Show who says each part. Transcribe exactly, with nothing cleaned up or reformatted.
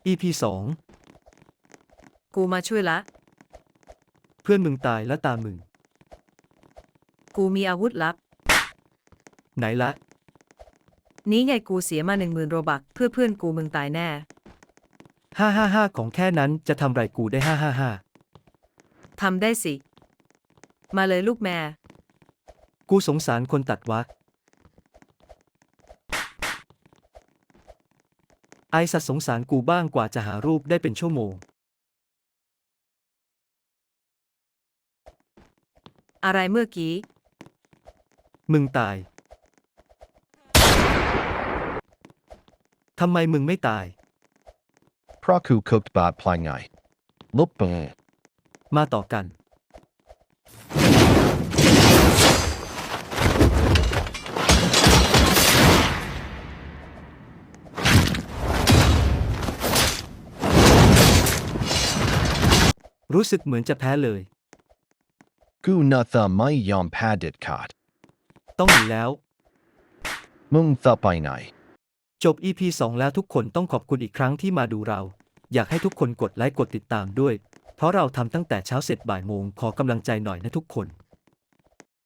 Speaker 1: อี พี สอง
Speaker 2: กูมาช่วยละ
Speaker 1: เพื่อนมึงตายแล้วตามมึง
Speaker 2: กูมีอาวุธลับ
Speaker 1: ไหนละ
Speaker 2: นี้ไงกูเสียมาหนึ่งหมื่นโรบักเพื่อเพื่อนกูมึงตายแน่
Speaker 1: ห้าห้าห้าของแค่นั้นจะทำไรกูได้ห้าห้าห้า
Speaker 2: ทำได้สิ มาเลยลูกแม่
Speaker 1: กูสงสารคนตัดวะไอสัตว์สงสารกูบ้างกว่าจะหารูปได้เป็นชั่วโมง
Speaker 2: อะไรเมื่อกี้
Speaker 1: มึงตาย ทำไมมึงไม่ตาย
Speaker 3: เพราะกูคุกบาดพลายไงลุบเป
Speaker 1: มาต่อกัน รู้สึกเหมือนจะแพ้เลย
Speaker 3: กูน่าจะไม่ยอมแพ้เด็ดขาด
Speaker 1: ต้องหนีแล้ว
Speaker 3: มึงจะไปไหน
Speaker 1: จบ อี พี สอง แล้วทุกคนต้องขอบคุณอีกครั้งที่มาดูเรา อยากให้ทุกคนกดไลค์กดติดตามด้วย เพราะเราทำตั้งแต่เช้าเสร็จบ่ายโมงขอกำลังใจหน่อยนะทุกคน